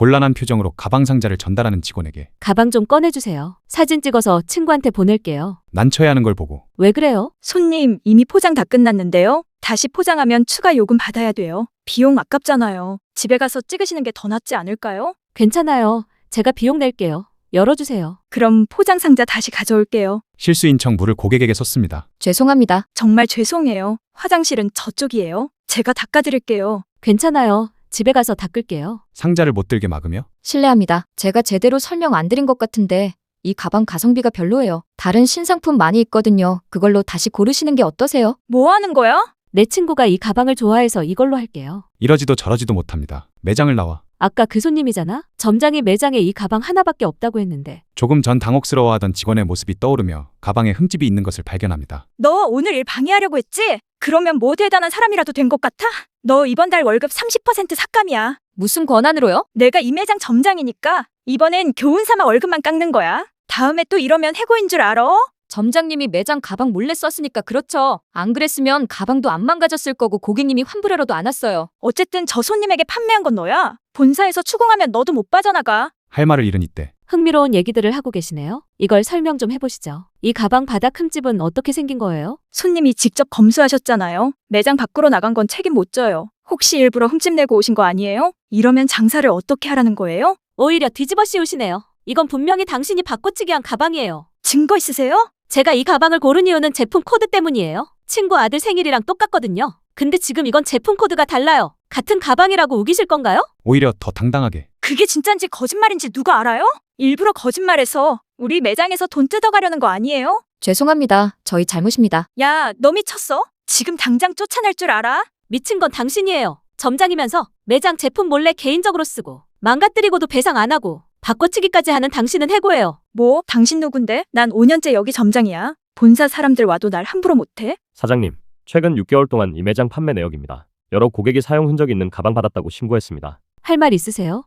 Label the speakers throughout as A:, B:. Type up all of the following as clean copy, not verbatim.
A: 곤란한 표정으로 가방 상자를 전달하는 직원에게
B: 가방 좀 꺼내주세요. 사진 찍어서 친구한테 보낼게요.
A: 난처해 하는 걸 보고
B: 왜 그래요?
C: 손님, 이미 포장 다 끝났는데요. 다시 포장하면 추가 요금 받아야 돼요. 비용 아깝잖아요. 집에 가서 찍으시는 게 더 낫지 않을까요?
B: 괜찮아요. 제가 비용 낼게요. 열어주세요.
C: 그럼 포장 상자 다시 가져올게요.
A: 실수인 척 물을 고객에게 쏟습니다.
D: 죄송합니다.
C: 정말 죄송해요. 화장실은 저쪽이에요. 제가 닦아드릴게요.
B: 괜찮아요. 집에 가서 닦을게요.
A: 상자를 못 들게 막으며
D: 실례합니다. 제가 제대로 설명 안 드린 것 같은데 이 가방 가성비가 별로예요. 다른 신상품 많이 있거든요. 그걸로 다시 고르시는 게 어떠세요?
C: 뭐 하는 거야?
B: 내 친구가 이 가방을 좋아해서 이걸로 할게요.
A: 이러지도 저러지도 못합니다. 매장을 나와
B: 아까 그 손님이잖아? 점장이 매장에 이 가방 하나밖에 없다고 했는데.
A: 조금 전 당혹스러워하던 직원의 모습이 떠오르며 가방에 흠집이 있는 것을 발견합니다.
C: 너 오늘 일 방해하려고 했지? 그러면 뭐 대단한 사람이라도 된 것 같아? 너 이번 달 월급 30% 삭감이야.
D: 무슨 권한으로요?
C: 내가 이 매장 점장이니까 이번엔 교훈 삼아 월급만 깎는 거야. 다음에 또 이러면 해고인 줄 알아?
D: 점장님이 매장 가방 몰래 썼으니까 그렇죠. 안 그랬으면 가방도 안 망가졌을 거고 고객님이 환불하러도 안 왔어요.
C: 어쨌든 저 손님에게 판매한 건 너야. 본사에서 추궁하면 너도 못 빠져나가.
A: 할 말을 잃은 이때
B: 흥미로운 얘기들을 하고 계시네요. 이걸 설명 좀 해보시죠. 이 가방 바닥 흠집은 어떻게 생긴 거예요?
C: 손님이 직접 검수하셨잖아요. 매장 밖으로 나간 건 책임 못 져요. 혹시 일부러 흠집 내고 오신 거 아니에요? 이러면 장사를 어떻게 하라는 거예요?
B: 오히려 뒤집어 씌우시네요. 이건 분명히 당신이 바꿔치기 한 가방이에요.
C: 증거 있으세요?
B: 제가 이 가방을 고른 이유는 제품 코드 때문이에요. 친구 아들 생일이랑 똑같거든요. 근데 지금 이건 제품 코드가 달라요. 같은 가방이라고 우기실 건가요?
A: 오히려 더 당당하게
C: 그게 진짠지 거짓말인지 누가 알아요? 일부러 거짓말해서 우리 매장에서 돈 뜯어가려는 거 아니에요?
D: 죄송합니다. 저희 잘못입니다.
C: 야, 너 미쳤어? 지금 당장 쫓아낼 줄 알아?
B: 미친 건 당신이에요. 점장이면서 매장 제품 몰래 개인적으로 쓰고 망가뜨리고도 배상 안 하고 바꿔치기까지 하는 당신은 해고예요.
C: 뭐? 당신 누군데? 난 5년째 여기 점장이야. 본사 사람들 와도 날 함부로 못해?
E: 사장님, 최근 6개월 동안 이 매장 판매 내역입니다. 여러 고객이 사용 흔적이 있는 가방 받았다고 신고했습니다.
B: 할 말 있으세요?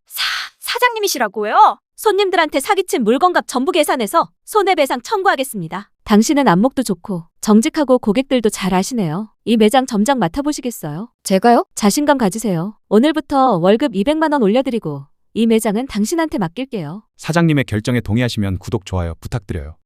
C: 사장님이시라고요?
B: 손님들한테 사기친 물건값 전부 계산해서 손해배상 청구하겠습니다. 당신은 안목도 좋고 정직하고 고객들도 잘 아시네요. 이 매장 점장 맡아보시겠어요?
D: 제가요?
B: 자신감 가지세요. 오늘부터 월급 200만 원 올려드리고 이 매장은 당신한테 맡길게요.
A: 사장님의 결정에 동의하시면 구독, 좋아요 부탁드려요.